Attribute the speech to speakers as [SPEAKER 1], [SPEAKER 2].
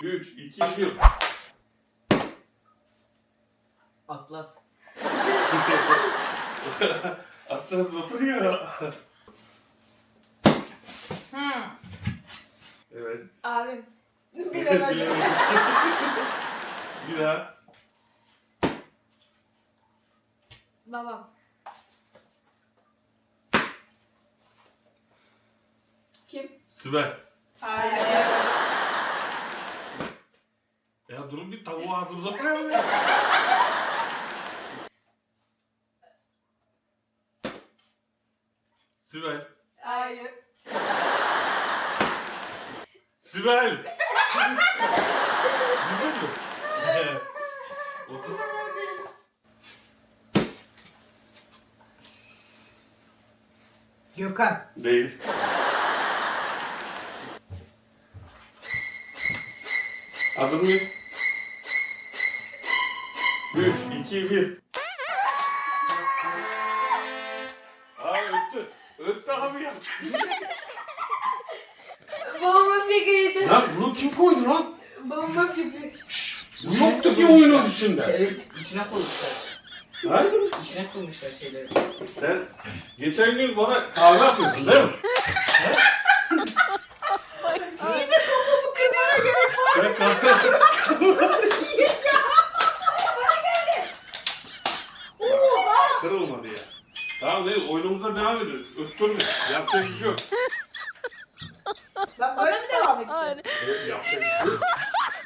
[SPEAKER 1] 3, 2, başlıyoruz.
[SPEAKER 2] Atlas.
[SPEAKER 1] Atlas oturuyor. Evet.
[SPEAKER 3] Abim.
[SPEAKER 1] Bilemedim. Bir daha.
[SPEAKER 3] Babam.
[SPEAKER 4] Kim?
[SPEAKER 1] Sibel.
[SPEAKER 4] Hayır.
[SPEAKER 1] Ya durun bir tavuğu ağzımıza. Sibel.
[SPEAKER 4] Hayır.
[SPEAKER 1] Sibel. Biliyor musun? Otur.
[SPEAKER 2] Gökhan.
[SPEAKER 1] Değil. Hazır mıyız? 3, 2, 1. Aa öttü. Öttü abi yaptı.
[SPEAKER 3] Babamın fikriydi.
[SPEAKER 1] Lan bunu kim koydu lan?
[SPEAKER 3] Babamın fikri.
[SPEAKER 1] Bu yoktu ki oyunun içinde.
[SPEAKER 2] Evet, içine koymuşlar.
[SPEAKER 1] Ha?
[SPEAKER 2] İçine koymuşlar şeyleri.
[SPEAKER 1] Sen geçen gün bana kahve yapıyorsun değil mi?
[SPEAKER 3] İyi de babamı kırmaya gerek var.
[SPEAKER 1] Ben kahve Kırılmadı ya. Tamam değil, oyunumuza devam ediyoruz. Öttürme. Yapacak bir şey yok.
[SPEAKER 4] Ben böyle mi devam edeceğim?
[SPEAKER 1] Evet, yapacak bir şey yok.